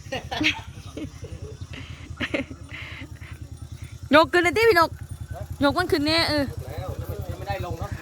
ยกขึ้นเลยที่พี่นกยกมันขึ้นเนี่ยแล้วไม่ได้ลงเนาะ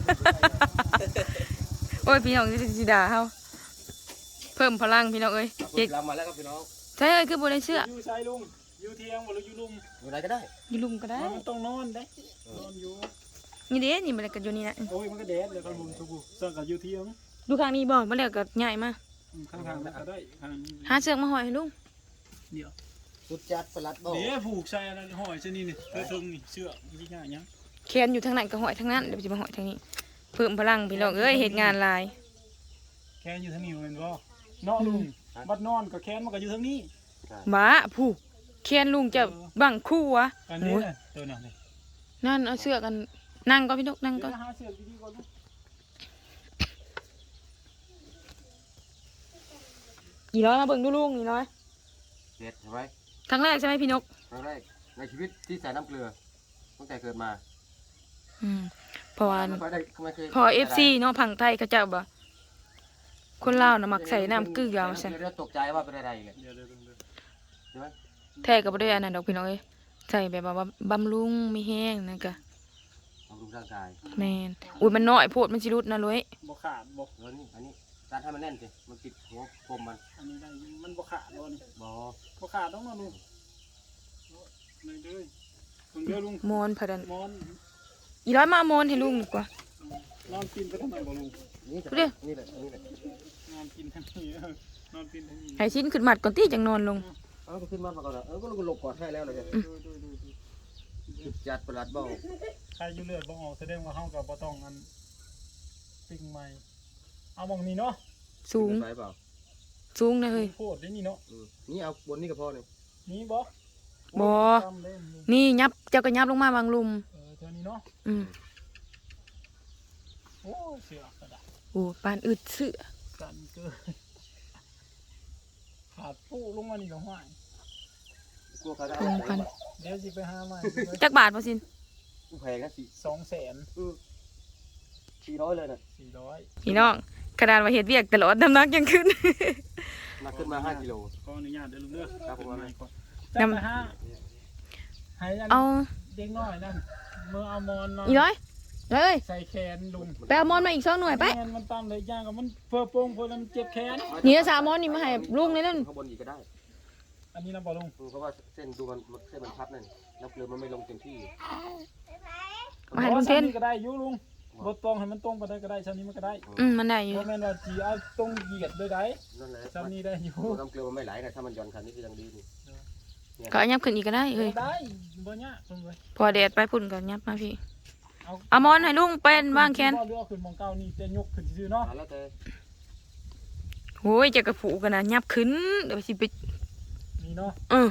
โอ้ยพี่น้องสิด่าเขาเพิ่มพลังพี่น้องเอ้ยเจ๊กเรามาแล้วครับพี่น้องใช่คือบนเสื้ออยู่ใช้ลุงอยู่เที่ยงบ่หรืออยู่ลุมอยู่ไหนก็ได้อยู่ลุมก็ได้มันต้องนอนได้นอนอยู่นี่เด้นี่มันก็อยู่นี่นะโอ้ยมันก็แดดเลยครับลุงทุกผู้สั่งกับอยู่เที่ยงดูข้างนี้บ่มาแล้วก็ใหญ่มาข้างๆก็ได้ข้างหาเชือกมาห้อยให้ลุงเดี๋ยวจุดจัดประหลัดบ่เดี๋ยวผูกใส่อะไรห้อยเส้นนี้นี่เธอทึงนี่เชือกยี่ห้ายังแขนอยู่ทางนั้นก็ห้อยทางนั้นเดี๋ยวจะมาห้อยทางนี้เพิ่มพลังพี่น้องเอ้ยเหตุงานลายแขนอยู่ทางนี้เป็นบ่เนาะลุงบัดนอนกับแขนมันก็อยู่ทางนี้บ้าผู้แขนลุงจะบังคู่วะอันนี้ตัวนั้นนี่นั่นเอาเชือกกันนั่งก็พี่นกนั่งก็หาเชือกดีๆก่อนกี่ร้อยมาเบิ่งดูลุงกี่ร้อยเด็ดใช่ไหมครั้งแรกใช่ไหมพี่นกครั้งแรกในชีวิตที่ใส่น้ำเกลือตั้งแต่เกิดมาเพราะว่าพอFCเนาะพังไทยเขาเจ้าบ่คนลาวน่ะมักใส่น้ำเกลือมาใส่ตกใจว่าเป็นอะไรเลยใช่ไหมแท้ก็บ่ได้อันนั้นดอกพี่น้องเอ้ยใส่แบบว่าบำรุงไม่แห้งนั่นก็บำรุงร่างกายแม่นอุ้ยมันน้อยโพดมันสิรุดนะลุยบ่ขาดบ่อันนี้การให้มันแน่นสิมันติดหัวคมมันอันนี้ได้มันบ่ขาดบ่นี่บ่ขาดต้องนอนลุงเลยเด้อลุงเด้อลุงมอนพะดันมอนอีร้อยมามอนให้ลุงดีกว่านอนกินไปทำไมบ่ลุงนี่แหละนี่แหละนอนกินทั้งนี้นอนกินทั้งนี้ให้ชิ้นขึ้นมัดก่อนที่จังนอนลงก็ขึ้นมาก่อนแล้วก็ลงกอดให้แล้วเลยจัดประหลัดบ่ใครอยู่เลือดบ่ออกแสดงว่าเฮากับบ่ต้องอันปิ้งใหม่เอามองนี้เนาะสูงสูงนะเฮ้ยโคตรนี่เนาะนี่เอาบนนี่ก็พอเลยนี่บ่นี่ยับเจ้าก็ยับลงมาบางลุมเท่านี้เนาะโอ้เสือกระดาษโอ้ปานอึดเสือกันเกินขาดปูลงมานี่ก็ห้อยเดี๋ยวสิไปหาใหม่จักบาทพอสินแพงนะ 200,000 400เลยนะ 400 พี่น้องกระดานว่าเฮ็ดเวียกตลอดน้ำหนักยังขึ้นมาขึ้นมา5 กิโลขออนุญาตเด้อลุงเด้อครับผมนำให้เอาเด็กน้อยนั่นเมื่อเอามอนมาอีร้อยเลยใส่แขนลุงไปเอามอนมาอีก2 หน่วยไปมันตามเลยย่างกับมันเพื่อโป่งเพื่อมันเจ็บแขนนี่3 มอนนี่มาให้ลุงเลยนั่นข้างบนอีกก็ได้อันนี้นะบ่ลุงเพราะว่าเส้นดูมันเส้นมันพับนั่นน้ำเกลือมันไม่ลงเต็มที่มาให้ลุงเส้นก็ได้ยุลุงรถตรงให้มันตรงไปได้ก็ได้ชั้นนี้มันก็ได้มันได้อยู่เพราะแม่นว่าจีเอาตรงเหยียดได้นั่นแหละชั้นนี้ได้อยู่น้ำเกลือมันไม่ไหลนะถ้ามันย้อนคันนี้ก็ยังดีนี่ก็ยับขึ้นอีกก็ได้เฮ้ยได้บ่ยากลุงเลยพอแดดไปพุ่นก็ยับมาพี่เอามอนให้ลุงเป็นวางแขนเรือขึ้นมองเก้านี่จะยกขึ้นซื่อเนาะโอ้ยจะกระผูกันนะยับขึ้นเดี๋ยวสิไปนี่เนาะ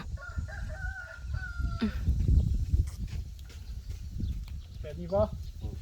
แบบนี้ป่ะ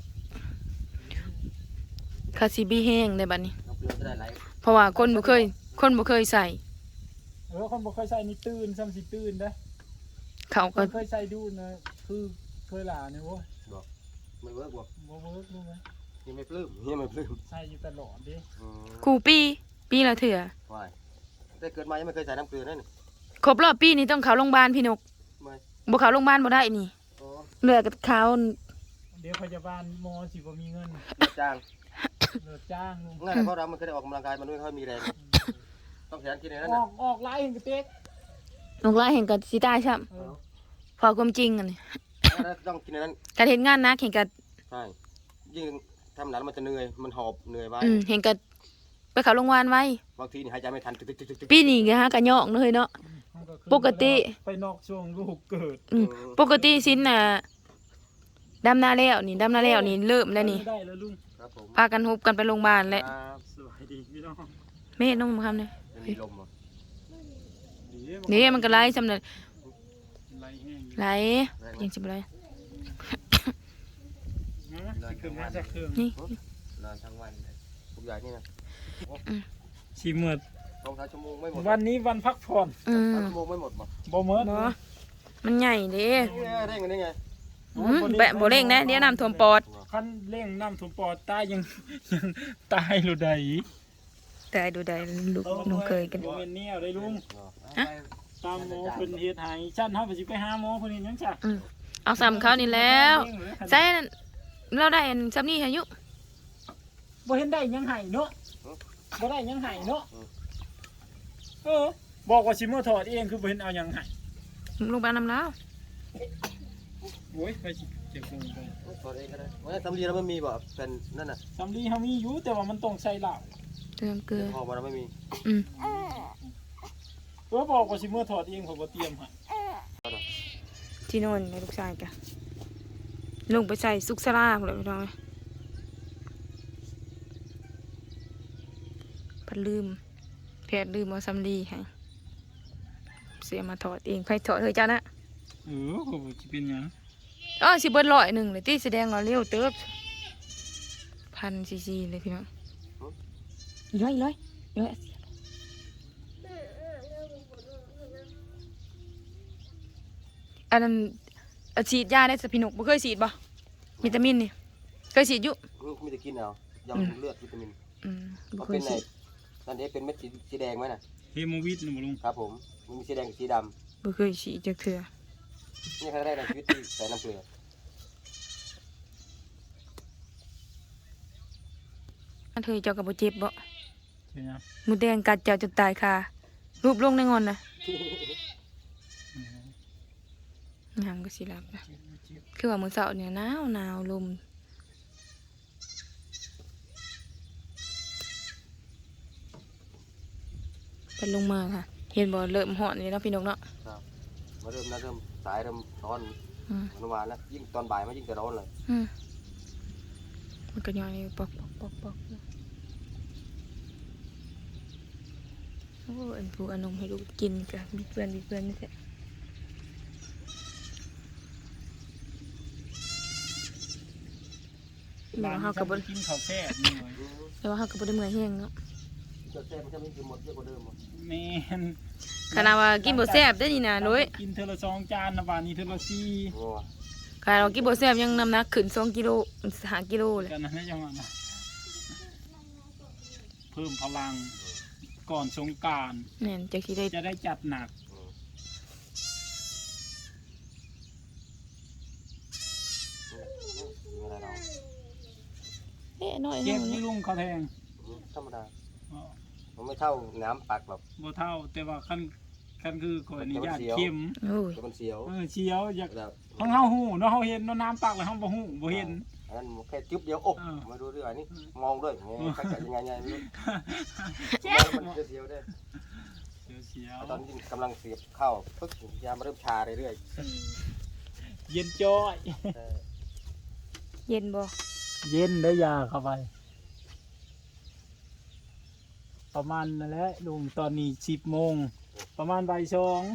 คาซิบีแห้งในบัดนี้เพราะว่าคนบ่เคยใส่คนบ่เคยใส่นี่ตื่นซ้ำสิตื่นได้เขาก็เคยใส่ดูนะคือเคยหลาเนี่ยโว้ยไม่เวิร์กบ่เวิร์กรู้ไหมยังไม่ปลื้มใส่อยู่ตลอดดิกูปีละเถื่อแต่เกิดมายังไม่เคยใส่น้ำเกลือนั่นครบรอบปีนี้ต้องเข้าโรงพยาบาลพี่นกบ่เข้าโรงพยาบาลบ่ได้นี่เหลือกับเขาเดี๋ยวพยาบาลหมอสิบ่มีเงินจ้างลุงงั้นเพราะเรามันเคยได้ออกกำลังกายมันไม่ค่อยมีแรงต้องขยันกินนั่นออกไล่เห็นกระเต๊กออกไล่เห็นกับสิตายช่ำพอความจริงอันนี้ต้องกินนั้นการเห็นงานนะเห็นกับใช่ยิ่งทำหนักมันจะเหนื่อยมันหอบเหนื่อยไว้เห็นกับไปเข้าโรงพยาบาลไว้บางทีนี่หายใจไม่ทันปีนี้ไงฮะกระยอกเลยเนาะปกติไปนอกช่วงลูกเกิดปกติสิ้นน่ะดำนาแล้วนี่เริ่มแล้วนี่พากันฮุบกันไปโรงพยาบาลแล้วสวัสดีพี่น้องแม่น้องมาทำเลยนี่มันก็ไล่จำเลยไล่ยังจะไล่นี่นอนทั้งวันทุกอย่างนี่นะชิมหมด 2-3 ชั่วโมงไม่หมดวันนี้วันพักผ่อน 3 ชั่วโมงไม่หมดบ่หมดมันใหญ่ดิเร่งกันได้ไงแบะโบเร่งนะเดี๋ยวน้ำท่วมปอดคันเร่งน้ำท่วมปอดตายยังตายหรือใดแต่ดูได้ลูกน้องเคยกันบ่เป็นเนี่ยได้ลุงฮะตามหมอเพิ่นเฮ็ดให้ฉันเฮาสิไปหาหมอเพิ่นเฮ็ดหยังจ้ะเอาซ้ำเขานี่แล้วใช่เราได้อันซ้ำนี่อายุบ่เห็นได้หยังให้เนาะบ่ได้หยังให้เนาะบอกว่าสิมาถอดเองคือบ่เห็นเอาหยังให้ลงไปนำแล้วโอ้ยไปสิเจ็บลงไปถอดเองก็ได้ว่าสำลีเราไม่มีบ่เป็นนั่นน่ะสำลีเฮามีอยู่แต่ว่ามันต้องใส่เหล้าเติมเกลือพอมาเราไม่มีบอกว่าสิมาถอดเองผมบ่เตรียมให้ที่โน่นในลูกชายกะลงไปใส่ซุกซาร่าเลยพี่น้องพัดลืมแพทย์ลืมเอาซ้ำดีให้เสียมาถอดเองใครถอดเฮ้ยจ้านะก็บ่สิเป็นหยังสิเบิด100เลยที่แสดงว่าเร็วเติบ1,000 cc เลยพี่น้องร้อยอันนั้นฉีดยาได้สพินกบ่เคยฉีดบ่วิตามินนี่เคยฉีดอยู่มีแต่กินเอายาเลือดวิตามินบ่เขาเคเป็ยนไหนฉีดนั่นเองเป็นเม็ดสีแดงไหมน่ะเฮโมวิทนะบ่ลุงครับผมมันมีสีแดงกับสีดบ่เคยฉีดจักเทื่อำนี่ครั้งแรกในชีวิตที่ใส่น้ำเกลืออันเธอเจ้าก็บ่เจ็บบ่ใช่หยังหมูแดงกัดเจ้าจนตายคารูปลงในงอนน่ะยามก็สิหลับนะคือว่ามื้อเช้าเนี่ยหนาวลมเป็นลงมาค่ะ เห็นบ่เริ่มฮ้อนนี่เนาะพี่นกเนาะมาเริ่มสายเริ่มร้อนมันวานแล้วยิ่งตอนบ่ายมันยิ่งจะร้อนเลยมันก็ย้อยปอกโอ้อันผู้อนมให้ลูกกินกะมีเพื่อนนี่แหละแล้วเฮาก็บ่กินข้าวแซ่บนี่เว้ยแล้วเฮาก็บ่ได้เมื่อยแฮงเนาะเจ้าแซ่บมันจะไม่กินหมดเยอะกว่าเดิมหมดแม่นขนาดว่ากินบ่แซ่บได้อนี่นะโดยกินเทอละ2จานนะบาดนี้เทอละ4 โอ้ขนาดว่ากินบ่แซ่บยังน้ำหนักขึ้น2กิโล5กิโลเลยกันนะจังหวะนะเพิ่มพลังก่อนสงกรานต์แม่นจักสิได้จะได้จัดหนักไม่ได้เราน้อยเก็บเนาะนี่ลุงเขาแทงธรรมดาอ๋อมันไม่เท่าน้ำปักหรอกบ่เท่าแต่ว่าคันคือขออนุญาตแต่มันเสียวเข้มโอ้ยแต่มันเสียวเชียวอยากแล้วห้องเฮาหูเนาะเฮาเห็นเนาะน้ำปักแล้วเฮาบ่หูบ่เห็นอันนั้นแค่จุ๊บเดียวอกมาดูด้วยอันนี้มองด้วยไงใครจะยังไงไม่รู้มันจะเสียวได้เชียวตอนนี้กำลังเสียบเข้าปึ๊กยามาเริ่มชาเรื่อยเย็นจ้อยๆเย็นบ่เย็นได้ยาเข้าไป ประมาณนั่นแหละลุงตอนนี้10 โมงประมาณบ่าย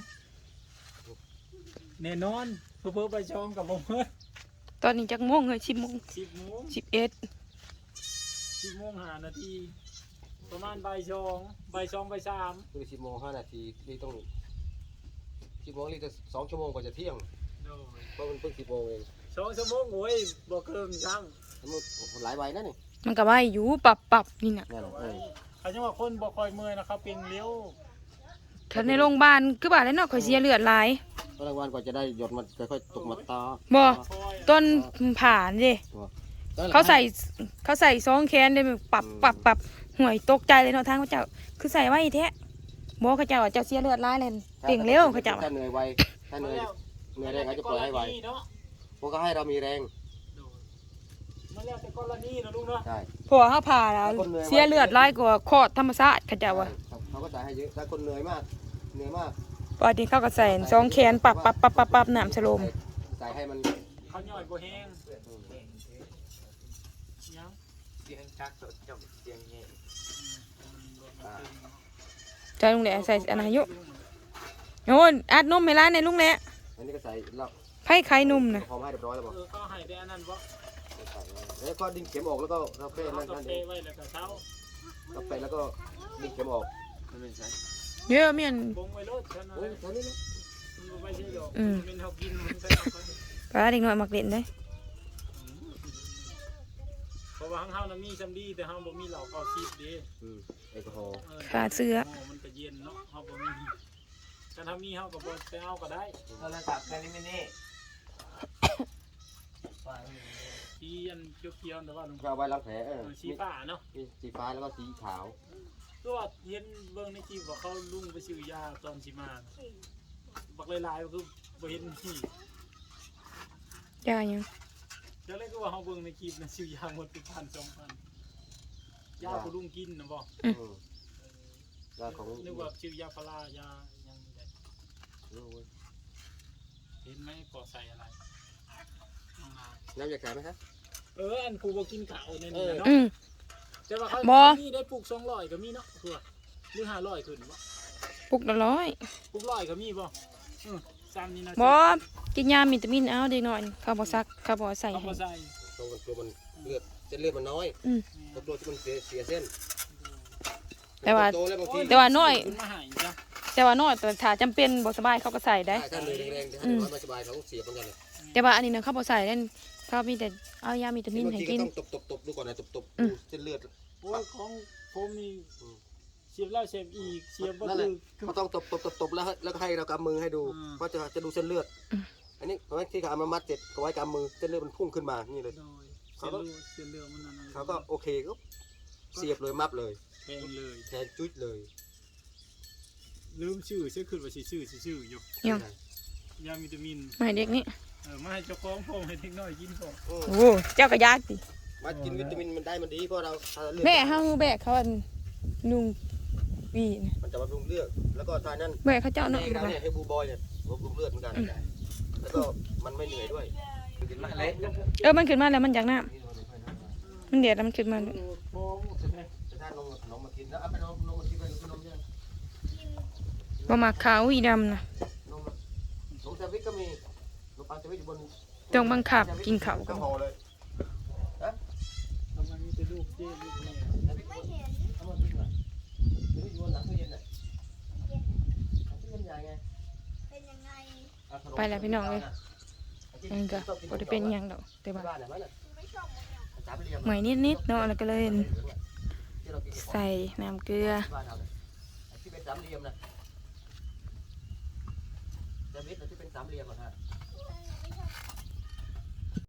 2แน่นอนเพิ่นบ่าย2กับบ่เมื่อตอนนี้จักโมงเฮ้ย10 โมง 10 โมง 11 10 โมง5 นาทีประมาณบ่าย2บ่าย3 คือ10:05 นี่ต้อง10 โมงนี่จะ2 ชั่วโมงกว่าจะเที่ยงโดยเพราะมันเพิ่ง10 โมงเอง 2 ชั่วโมงโอ้ยบ่เกินซ้ำมันหลายใบนะนี่มันก็ว่าอยู่ปรับนี่น่ะนั่นน่ะเขาจะว่าคนบ่ค่อยเมื่อยนะครับเป็นเลี้ยวถ้าในโรงพยาบาลคือว่าแล้วเนาะข่อยเสียเลือดหลายก็รางวัลกว่าจะได้หยดมันค่อยๆตกมาตาบ่ต้นผ่านเด้เขาใส่ซองแขนได้ปรับห่วยตกใจเลยเนาะทางเขาเจ้าคือใส่ไว้แท้บ่เขาเจ้าว่าเจ้าเสียเลือดหลายเลยเปล่งเร็วเขาเจ้าถ้าเหนื่อยไวถ้าเหนื่อยแรงเขาจะปล่อยให้ไวพวกเขาให้เรามีแรงมันแล้วแต่กรณีนะลุงเนาะใช่เพราะว่าเขาผ่าแล้วเสียเลือดหลายกว่าคลอดธรรมชาติเขาเจ้าว่าเขาก็จ่ายให้เยอะถ้าคนเหนื่อยมากปกติเขาก็ใส่ซองแขนปรับน้ำสโลมจ่ายให้มันเขาย่อยบ่แห้งยังเสียงชักจบเสียงเงี้ยใจลุงแหละใส่อันอายุโอ้ยอัดนมให้ร้านในลุงแหละอันนี้ก็ใส่เราไผ่ไข่นุ่มนะพร้อมให้เรียบร้อยแล้วบอกเขาให้ได้อันนั้นบ่แล้วก็ดึงเข็มออกแล้วก็เราแค่เขานั้นก็นั่นเทเองไว้แล้วก็เช้าเราไปแล้วก็ดึงเข็มออกมันเป็นไงเยอะเมียนบงไว้รถฉันนะโอ้ยตอนนี้นะมันไม่ใช่ดอกมันเฮากินมันใส่เอาไปปลาเด็กน้อยมักเล่นได้เพราะว่าเฮาน่ะมีซำดีแต่เฮาบ่มีเหล้าเข้าซีดเด้แอลกอฮอล์ขาเสื้อมันก็เย็นเนาะเฮาบ่มีถ้าทำมีเฮาก็บ่ไปเอาก็ได้โทรศัพท์แค่นี้ไม่นี่สีอันเขียวๆแต่ว่าลุงก็เอาไว้ล้างแผลสีฟ้าเนาะสีฟ้าแล้วก็สีขาวตัวเห็นเบิ่งในคลิปว่าเขาลุงไปซื้อยาตอนสิมาบักหลายๆก็คือบ่เห็นที่จ้ายังเดี๋ยวเลยก็ว่าเฮาเบิ่งในคลิปนะซื้อยาหมดไป1,000-2,000ยาผู้ลุงกินนะบ่ยาของนึกว่าซื้อยาพารายายังได้เห็นไหมปอใส่อะไรน้ำยาขายไหมครับอันกูบ่กินข้าวในนี้เนาะ แต่ว่าเขามีได้ปลูก200ก็มีเนาะคือหรือ500ขึ้นบ่ปลุกละร้อยปลูก100ก็มีบ่ซ้ำนี่นะบ่กินยาวิตามินเอาเด็กน้อยเขาบ่ซักเขาบ่ใส่เอาให้มาใส่ตัวมันเลือดเส้นเลือดมันน้อยตัวที่มันเสียเส้นแต่ว่าโตแล้วบางทีแต่ว่าน้อยขึ้นมาให้จ้ะแต่ว่าน้อยแต่ถ้าจำเป็นบ่สบายเขาก็ใส่ได้ถ้าเลยแรงๆถ้าไม่สบายเขาเสียเหมือนกันเลยแต่ว่าอันนี้นะเขาบ่ใส่เล่นเขามีแต่เอายาวิตามินบางให้ทีก็กินต้องตบดูก่อนนะตบเส้นเลือดโอ้ยของผมนี่เสียบแล้วเสียบอีกเสียบบ่นั่นแหละคือเขาต้องตบแล้วก็ให้เรากำมือให้ดูว่าจะดูเส้นเลือดอันนี้เพราะที่เขาเอามามัดเสร็จเขาไว้กำมือเส้นเลือดมันพุ่งขึ้นมานี่เลยโดยเสียบเรือมันนั่นเขาก็โอเคก็เสียบเลยมับเลยแพงเลยแทนจุดเลยลืมชื่อเสียขึ้นว่าสิชื่ออยู่ยังยาวิตามินไม่เด็กนี่มาให้เจ้าของผมให้เด็กน้อยกินผมโอ้เจ้าก็ยากติมากินวิตามินมันได้มันดีเพราะเราแม่เฮาแบกเขาอันนุ่งวีนะมันจะบำรุงเลือดแล้วก็ทานนั้นแบกเขาเจ้าเนาะเราเนี่ยให้บูบอยเนี่ยบำรุงเลือดเหมือนกันแล้วก็มันไม่เหนื่อยด้วยกินมาเละมันขึ้นมาแล้วมันอยากน้ำมันเดือดแล้วมันขึ้นมาโอ้โหจะได้นมขนมมากินแล้วเอาไปนมมากินไปนมยังบ่มักขาวอีดำนะนมนมแซนด์วิชก็มีนมปังแซนด์วิชอยู่บนต้องบังคับกินข้าวก็กันห่อเลยทำไมมีแต่ลูกเจ๊ลูกแม่เอามากินหน่อยอยู่บนหลังตู้เย็นน่ะตู้เย็นใหญ่ไงเป็นยังไงไปแล้วพี่น้องเลยอันนี้ก็บ่ได้เป็นหยังดอกแต่ว่าบ้านไหนมันน่ะไม่ชอบมันสามเหลี่ยมเหมือยนิดๆเนาะแล้วก็เลยใส่น้ำเกลือบ้านเราเนี่ยที่เป็นสามเหลี่ยมนะแซนด์วิชที่เป็นสามเหลี่ยมอ่ะฮะ